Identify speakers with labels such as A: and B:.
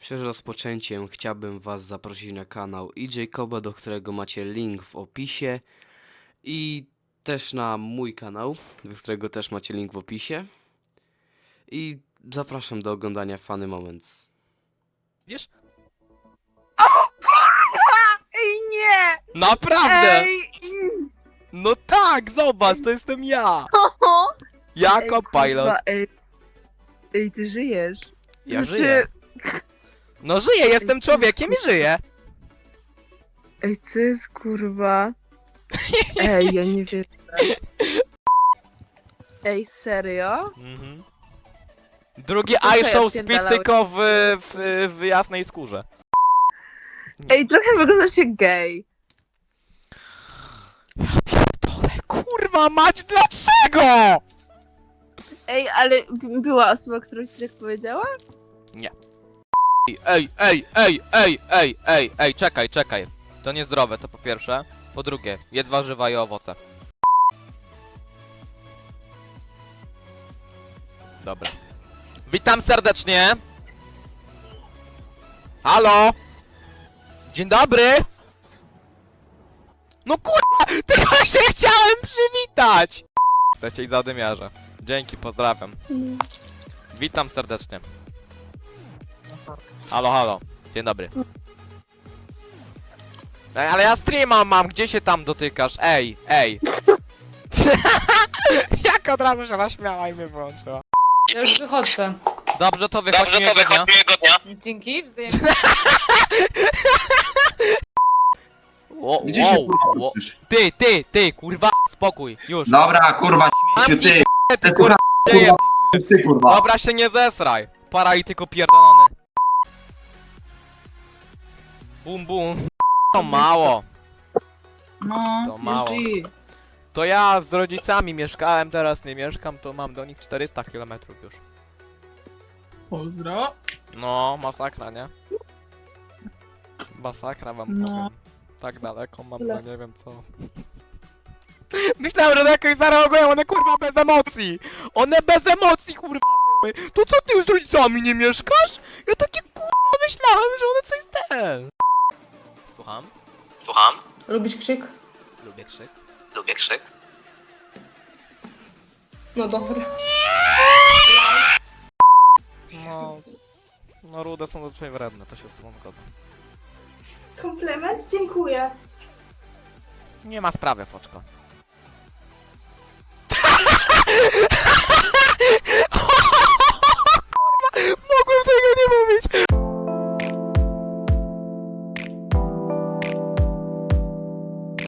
A: Przed rozpoczęciem chciałbym Was zaprosić na kanał Jacoba, do którego macie link w opisie, i też na mój kanał, do którego też macie link w opisie. I zapraszam do oglądania Funny Moments.
B: Widzisz?
C: Ej, nie!
B: Naprawdę!
C: Ej!
B: No tak, zobacz, to jestem ja! Jako
C: Ej, kurwa,
B: pilot.
C: Ej, ty żyjesz.
B: Ja
C: Znaczy-
B: żyję. No żyję, jestem człowiekiem i żyję.
C: Ej, co jest kurwa? Ej, ja nie wierzę. Ej, serio?
B: Mhm. Drugi
C: To co ja
B: iShow Speed
C: odpierdalałem?
B: tylko w jasnej skórze.
C: Ej, trochę wygląda się gej.
B: Pierdolę, kurwa mać, dlaczego?
C: Ej, ale była osoba, która ci tak powiedziała?
B: Ej, czekaj. To niezdrowe, to po pierwsze. Po drugie, jedz warzywa i owoce. Dobra. Witam serdecznie. Halo? Dzień dobry. No kurwa, tylko się chciałem przywitać. Chcecie i zadymiarze. Dzięki, pozdrawiam. Witam serdecznie. Halo. Dzień dobry. Ej, ale ja streama mam, gdzie się tam dotykasz? Ej. Jak od razu się naśmiała i mnie wyłączyła.
D: Ja już wychodzę.
B: Dobrze, to wychodź miłego dnia.
D: Dzięki, wzajemnie.
E: Gdzie się kurwa uczysz?
B: Ty, kurwa, spokój, już.
E: Dobra, kurwa,
B: Mam
E: śmieciu,
B: ci
E: ty!
B: ty, kurwa, dzieje.
E: Kurwa, ty kurwa!
B: Dobra, się nie zesraj. Paralityko pierdolony. Bum. To mało.
D: No,
B: To mało.
D: GG.
B: To ja z rodzicami mieszkałem, teraz nie mieszkam, to mam do nich 400 km już.
D: Pozdro.
B: No, masakra, nie? Masakra wam
D: No.
B: powiem. Tak daleko mam, no nie wiem co. Myślałem, że jakoś zareagują, one kurwa bez emocji! One bez emocji kurwa były! To co ty już z rodzicami nie mieszkasz? Ja takie kurwa myślałem, że one coś ten. Słucham?
D: Lubisz krzyk?
B: Lubię krzyk.
D: No dobra.
B: No rude są zazwyczaj wredne, to się z tobą zgodzę.
F: Komplement? Dziękuję.
B: Nie ma sprawy, foczko.